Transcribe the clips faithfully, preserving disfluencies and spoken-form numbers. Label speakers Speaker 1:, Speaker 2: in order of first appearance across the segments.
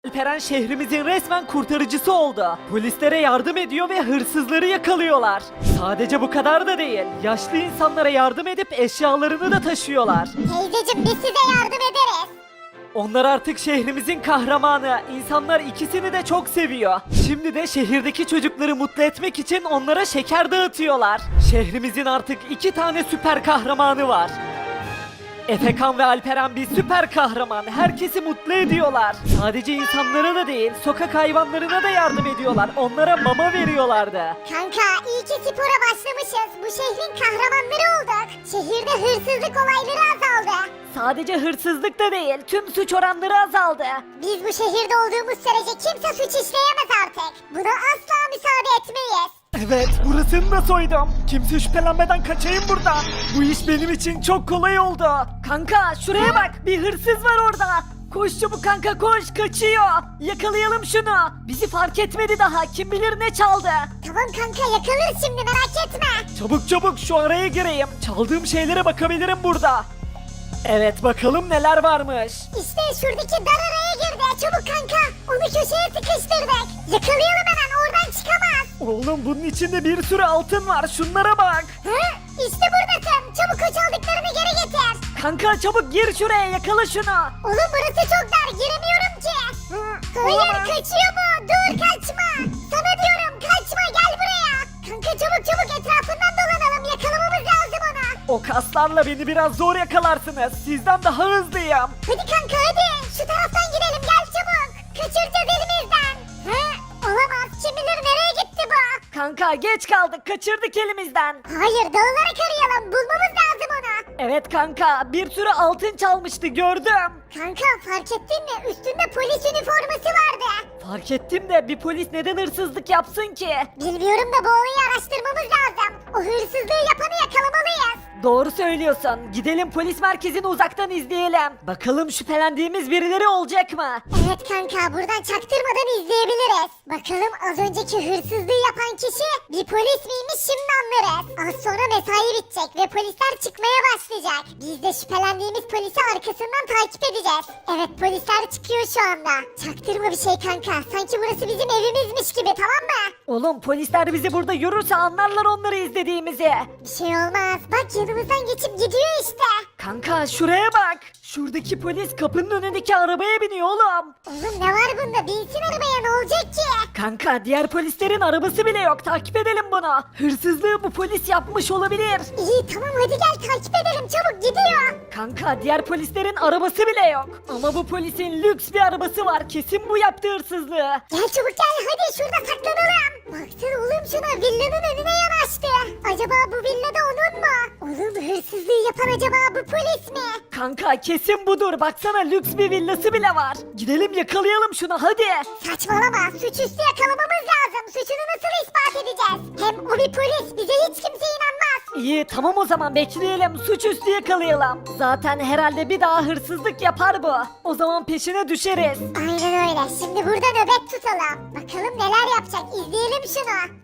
Speaker 1: Alperen şehrimizin resmen kurtarıcısı oldu. Polislere yardım ediyor ve hırsızları yakalıyorlar. Sadece bu kadar da değil. Yaşlı insanlara yardım edip eşyalarını da taşıyorlar.
Speaker 2: Teyzeciğim biz size yardım ederiz.
Speaker 1: Onlar artık şehrimizin kahramanı. İnsanlar ikisini de çok seviyor. Şimdi de şehirdeki çocukları mutlu etmek için onlara şeker dağıtıyorlar. Şehrimizin artık iki tane süper kahramanı var. Efekan ve Alperen bir süper kahraman. Herkesi mutlu ediyorlar. Sadece insanlara da değil, sokak hayvanlarına da yardım ediyorlar. Onlara mama veriyorlardı.
Speaker 2: Kanka iyi ki spora başlamışız. Bu şehrin kahramanları olduk. Şehirde hırsızlık olayları azaldı.
Speaker 1: Sadece hırsızlık da değil, tüm suç oranları azaldı.
Speaker 2: Biz bu şehirde olduğumuz sürece kimse suç işleyemez artık. Buna asla müsaade etmeyiz.
Speaker 1: Evet, burasını da soydum. Kimse şüphelenmeden kaçayım buradan. Bu iş benim için çok kolay oldu. Kanka şuraya bak, bir hırsız var orada. Koş çabuk kanka koş, kaçıyor. Yakalayalım şunu. Bizi fark etmedi daha, kim bilir ne çaldı.
Speaker 2: Tamam kanka yakalarız şimdi merak etme.
Speaker 1: Çabuk çabuk şu araya gireyim. Çaldığım şeylere bakabilirim burada. Evet bakalım neler varmış.
Speaker 2: İşte şuradaki dar araya girdi. Çabuk kanka onu köşeye sıkıştırdık. Yakalayalım hemen oradan çıkamaz.
Speaker 1: Oğlum bunun içinde bir sürü altın var, şunlara bak.
Speaker 2: Hı? İşte buradasın. Çabuk o çaldıklarını geri getir.
Speaker 1: Kanka çabuk gir şuraya, yakala şunu.
Speaker 2: Oğlum burası çok dar giremiyorum ki. Hayır kaçıyor bu. Dur kaçma. Sana diyorum kaçma gel buraya. Kanka çabuk çabuk etrafından dolanalım. Yakalamamız lazım onu.
Speaker 1: O kaslarla beni biraz zor yakalarsınız. Sizden daha hızlıyım.
Speaker 2: Hadi kanka hadi. Şu taraftan gidelim gel çabuk. Kaçıracağız elimizden. Hı? Olamaz. Kim bilir nereye gitti bu?
Speaker 1: Kanka geç kaldık, kaçırdık elimizden.
Speaker 2: Hayır dağılarak arayalım. Bulmamız lazım onu.
Speaker 1: Evet kanka, bir sürü altın çalmıştı, gördüm.
Speaker 2: Kanka fark ettin mi? Üstünde polis üniforması vardı.
Speaker 1: Fark ettim de bir polis neden hırsızlık yapsın ki?
Speaker 2: Bilmiyorum da bu olayı araştırmamız lazım. O hırsızlığı yapanı yakalamalıyız.
Speaker 1: Doğru söylüyorsun. Gidelim polis merkezini uzaktan izleyelim. Bakalım şüphelendiğimiz birileri olacak mı?
Speaker 2: Evet kanka buradan çaktırmadan izleyebiliriz. Bakalım az önceki hırsızlığı yapan kişi bir polis miymiş şimdi anlarız. Az sonra mesai bitecek ve polisler çıkmaya başlayacak. Biz de şüphelendiğimiz polisi arkasından takip edeceğiz. Evet polisler çıkıyor şu anda. Çaktırma bir şey kanka. Sanki burası bizim evimizmiş gibi tamam mı?
Speaker 1: Oğlum polisler bizi burada görürse anlarlar onları izlediğimizi.
Speaker 2: Bir şey olmaz. Bak yanımızdan geçip gidiyor işte.
Speaker 1: Kanka şuraya bak. Şuradaki polis kapının önündeki arabaya biniyor oğlum.
Speaker 2: Oğlum ne var bunda? Binsin arabaya ne olacak ki?
Speaker 1: Kanka diğer polislerin arabası bile yok. Takip edelim bunu. Hırsızlığı bu polis yapmış olabilir.
Speaker 2: İyi tamam hadi gel takip edelim çabuk gidiyor.
Speaker 1: Kanka diğer polislerin arabası bile yok. Ama bu polisin lüks bir arabası var. Kesin bu yaptığı hırsızlığı.
Speaker 2: Gel çabuk gel hadi şurada saklanalım. Baksana oğlum şuna villanın önüne yanaştı. Acaba bu villada onun mu? Oğlum hırsızlığı yapan acaba bu polis mi?
Speaker 1: Kanka kesin budur. Baksana lüks bir villası bile var. Gidelim yakalayalım şunu hadi.
Speaker 2: Saçmalama suçüstü yakalamamız lazım. Suçunu nasıl ispat edeceğiz? Hem o bir polis bize hiç kimse inanmaz.
Speaker 1: İyi tamam o zaman bekleyelim. Suçüstü yakalayalım. Zaten herhalde bir daha hırsızlık yapar bu. O zaman peşine düşeriz.
Speaker 2: Aynen öyle şimdi burada nöbet tutalım. Bakalım neler yapacak izleyelim şunu.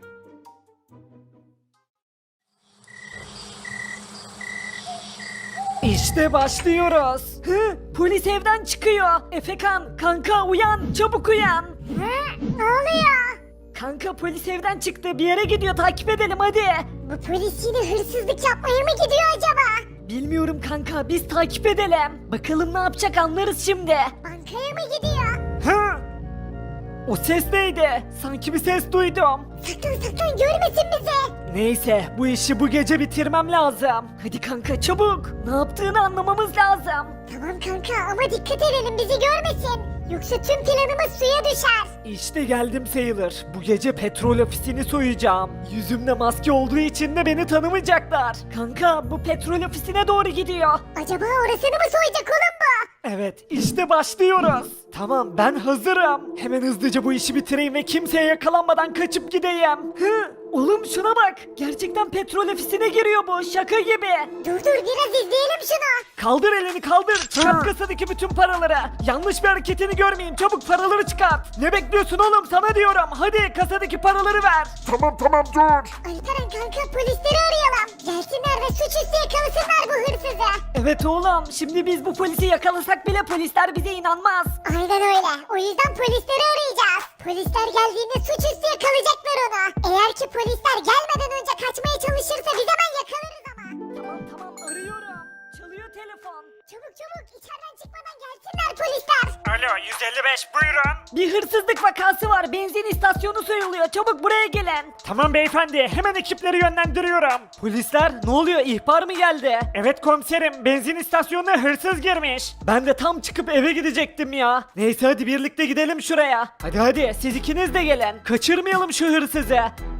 Speaker 1: İşte başlıyoruz. Hı? Polis evden çıkıyor. Efekan, kanka uyan, çabuk uyan.
Speaker 2: Hı? Ne oluyor?
Speaker 1: Kanka polis evden çıktı. Bir yere gidiyor. Takip edelim hadi.
Speaker 2: Bu polis yine hırsızlık yapmaya mı gidiyor acaba?
Speaker 1: Bilmiyorum kanka. Biz takip edelim. Bakalım ne yapacak anlarız şimdi.
Speaker 2: Bankaya mı gidiyor?
Speaker 1: Hı? O ses neydi? Sanki bir ses duydum.
Speaker 2: Saklan saklan görmesin bizi.
Speaker 1: Neyse bu işi bu gece bitirmem lazım. Hadi kanka çabuk. Ne yaptığını anlamamız lazım.
Speaker 2: Tamam kanka ama dikkat edelim bizi görmesin. Yoksa tüm planımız suya düşer.
Speaker 1: İşte geldim sayılır. Bu gece petrol ofisini soyacağım. Yüzümde maske olduğu için de beni tanımayacaklar. Kanka bu petrol ofisine doğru gidiyor.
Speaker 2: Acaba orasını mı soyacak oğlum bu?
Speaker 1: Evet işte başlıyoruz. Tamam ben hazırım. Hemen hızlıca bu işi bitireyim ve kimseye yakalanmadan kaçıp gideyim. Hı? Oğlum şuna bak. Gerçekten petrol ofisine giriyor bu. Şaka gibi.
Speaker 2: Dur dur biraz izleyelim şunu.
Speaker 1: Kaldır elini kaldır. Çıkart kasadaki bütün paraları. Yanlış bir hareketini görmeyeyim. Çabuk paraları çıkart. Ne bekliyorsun oğlum? Sana diyorum. Hadi kasadaki paraları ver.
Speaker 3: Tamam tamam dur.
Speaker 2: Alperen kanka polisleri arayalım. Gelsinler ve suçüstü yakalasınlar bu hırsızı.
Speaker 1: Evet oğlum. Şimdi biz bu polisi yakalasak bile polisler bize inanmaz.
Speaker 2: Aynen öyle. O yüzden polisleri arayacağız. Polisler geldiğinde suçüstü yakalayacaklar onu. Eğer ki polisler gelmeden önce kaçmaya çalışırsa biz hemen yakalarız ama.
Speaker 1: Tamam tamam arıyorum. Çalıyor telefon.
Speaker 2: Çabuk çabuk içeriden çıkmadan gelsinler polisler.
Speaker 4: Alo yüz elli beş buyurun.
Speaker 1: Bir hırsızlık vakası var. Benzin istasyonu soyuluyor. Çabuk buraya gelin.
Speaker 4: Tamam beyefendi hemen ekipleri yönlendiriyorum.
Speaker 1: Polisler ne oluyor? İhbar mı geldi?
Speaker 4: Evet komiserim benzin istasyonuna hırsız girmiş.
Speaker 1: Ben de tam çıkıp eve gidecektim ya. Neyse hadi birlikte gidelim şuraya. Hadi hadi siz ikiniz de gelin. Kaçırmayalım şu hırsızı.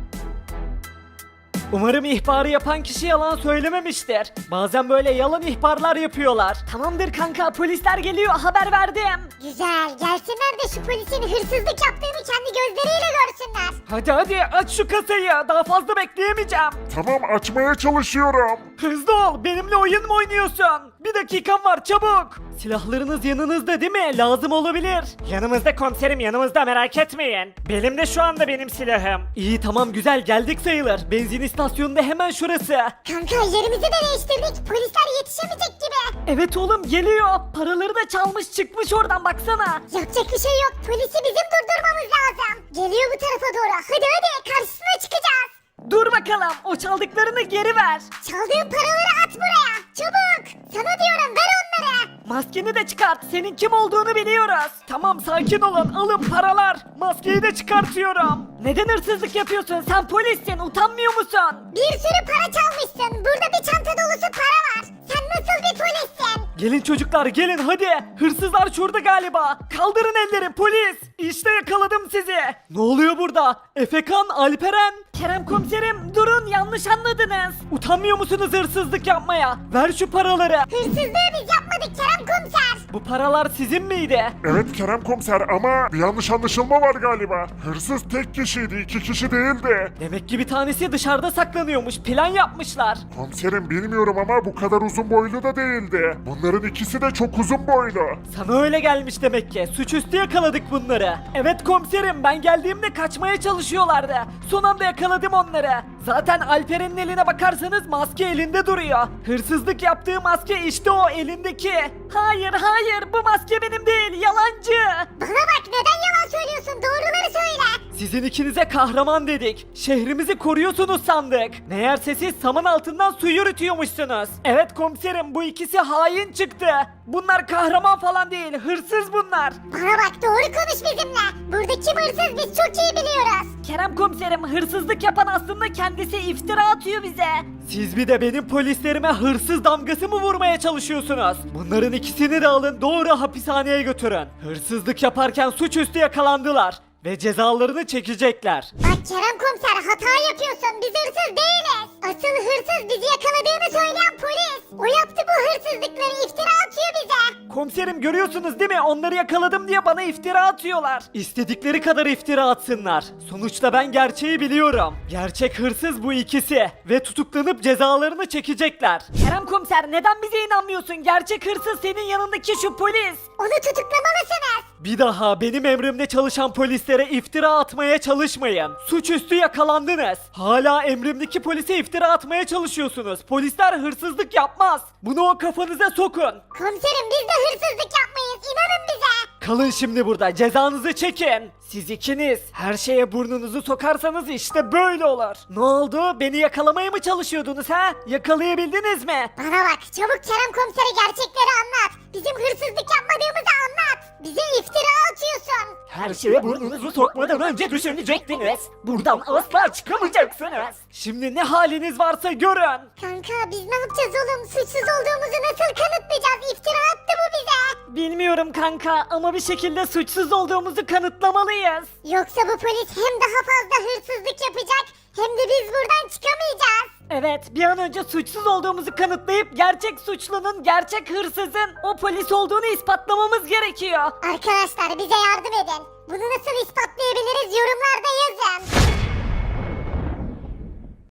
Speaker 1: Umarım ihbarı yapan kişi yalan söylememiştir. Bazen böyle yalan ihbarlar yapıyorlar. Tamamdır kanka polisler geliyor haber verdim.
Speaker 2: Güzel gelsinler de şu polisin hırsızlık yaptığını kendi gözleriyle görsünler.
Speaker 1: Hadi hadi aç şu kasayı daha fazla bekleyemeyeceğim.
Speaker 3: Tamam açmaya çalışıyorum.
Speaker 1: Hızlı ol benimle oyun mu oynuyorsun? Bir dakikam var çabuk. Silahlarınız yanınızda değil mi? Lazım olabilir.
Speaker 4: Yanımızda komiserim yanımızda merak etmeyin. Belimde şu anda benim silahım.
Speaker 1: İyi tamam güzel geldik sayılır. Benzin istasyonunda hemen şurası.
Speaker 2: Kanka yerimizi de değiştirdik. Polisler yetişemeyecek gibi.
Speaker 1: Evet oğlum geliyor. Paraları da çalmış çıkmış oradan baksana.
Speaker 2: Yapacak bir şey yok. Polisi bizim durdurmamız lazım. Geliyor bu tarafa doğru. Hadi hadi karşısına çıkacağız.
Speaker 1: Dur bakalım o çaldıklarını geri ver.
Speaker 2: Çaldığın paraları at buraya. Çabuk. Sana diyorum ver onları.
Speaker 1: Maskeni de çıkart. Senin kim olduğunu biliyoruz. Tamam sakin olun. Alın paralar. Maskeyi de çıkartıyorum. Neden hırsızlık yapıyorsun? Sen polissin. Utanmıyor musun?
Speaker 2: Bir sürü para çalmışsın. Burada bir çanta dolusu para var. Sen nasıl bir polissin?
Speaker 1: Gelin çocuklar gelin hadi. Hırsızlar şurada galiba. Kaldırın elleri polis. İşte yakaladım sizi. Ne oluyor burada? Efekan, Alperen. Kerem komiserim durun yanlış anladınız. Utanmıyor musunuz hırsızlık yapmaya? Ver şu paraları.
Speaker 2: Hırsızlığı biz yapmadık Kerem komiser.
Speaker 1: Bu paralar sizin miydi?
Speaker 3: Evet Kerem komiser ama bir yanlış anlaşılma var galiba. Hırsız tek kişiydi, iki kişi değildi.
Speaker 1: Demek ki bir tanesi dışarıda saklanıyormuş. Plan yapmışlar.
Speaker 3: Komiserim bilmiyorum ama bu kadar uzun boylu da değildi. Bunların ikisi de çok uzun boylu.
Speaker 1: Sana öyle gelmiş demek ki. Suçüstü yakaladık bunları. Evet komiserim ben geldiğimde kaçmaya çalışıyorlardı. Son anda yakaladım onları. Zaten Alperen'in eline bakarsanız maske elinde duruyor. Hırsızlık yaptığı maske işte o elindeki. Hayır hayır bu maske benim değil yalancı.
Speaker 2: Bana bak neden yalan söylüyorsun? Doğruları söyle.
Speaker 1: Sizin ikinize kahraman dedik. Şehrimizi koruyorsunuz sandık. Meğerse siz saman altından su yürütüyormuşsunuz. Evet komiserim bu ikisi hain çıktı. Bunlar kahraman falan değil hırsız bunlar.
Speaker 2: Bana bak doğru konuş bizimle. Burada kim hırsız biz çok iyi biliyoruz.
Speaker 1: Kerem komiserim hırsızlık yapan aslında kendisi iftira atıyor bize. Siz bir de benim polislerime hırsız damgası mı vurmaya çalışıyorsunuz? Bunların ikisini de alın doğru hapishaneye götürün. Hırsızlık yaparken suçüstü yakalandılar ve cezalarını çekecekler.
Speaker 2: Bak Kerem komiser hata yapıyorsun. Biz hırsız değiliz. Asıl hırsız bizi yakaladığını söyleyen polis. O yaptı bu hırsızlıkları iftira atıyor bize.
Speaker 1: Komiserim görüyorsunuz değil mi? Onları yakaladım diye bana iftira atıyorlar. İstedikleri kadar iftira atsınlar. Sonuçta ben gerçeği biliyorum. Gerçek hırsız bu ikisi. Ve tutuklanıp cezalarını çekecekler. Kerem komiser neden bize inanmıyorsun? Gerçek hırsız senin yanındaki şu polis.
Speaker 2: Onu tutuklamalısınız.
Speaker 1: Bir daha benim emrimde çalışan polislere iftira atmaya çalışmayın. Suçüstü yakalandınız. Hala emrimdeki polise iftira atmaya çalışıyorsunuz. Polisler hırsızlık yapmaz. Bunu o kafanıza sokun.
Speaker 2: Komiserim biz de hırsızlık yapmayız. İnanın bize.
Speaker 1: Kalın şimdi burada cezanızı çekin. Siz ikiniz her şeye burnunuzu sokarsanız işte böyle olur. Ne oldu? Beni yakalamaya mı çalışıyordunuz ha? Yakalayabildiniz mi?
Speaker 2: Bana bak çabuk Kerem komisere gerçekleri anlat. Bizim hırsızlık yapmadığımızı anlat. Bize iftira atıyorsun.
Speaker 4: Her şeye burnunuzu sokmadan önce düşünecektiniz. Buradan asla çıkamayacaksınız.
Speaker 1: Şimdi ne haliniz varsa görün.
Speaker 2: Kanka biz ne yapacağız oğlum? Suçsuz olduğumuzu nasıl kanıtlayacağız? İftira attı bu bize.
Speaker 1: Bilmiyorum kanka ama bir şekilde suçsuz olduğumuzu kanıtlamalıyız.
Speaker 2: Yoksa bu polis hem daha fazla hırsızlık yapacak hem de biz buradan çıkamayacağız.
Speaker 1: Evet, bir an önce suçsuz olduğumuzu kanıtlayıp gerçek suçlunun, gerçek hırsızın o polis olduğunu ispatlamamız gerekiyor.
Speaker 2: Arkadaşlar bize yardım edin. Bunu nasıl ispatlayabiliriz yorumlarda yazın.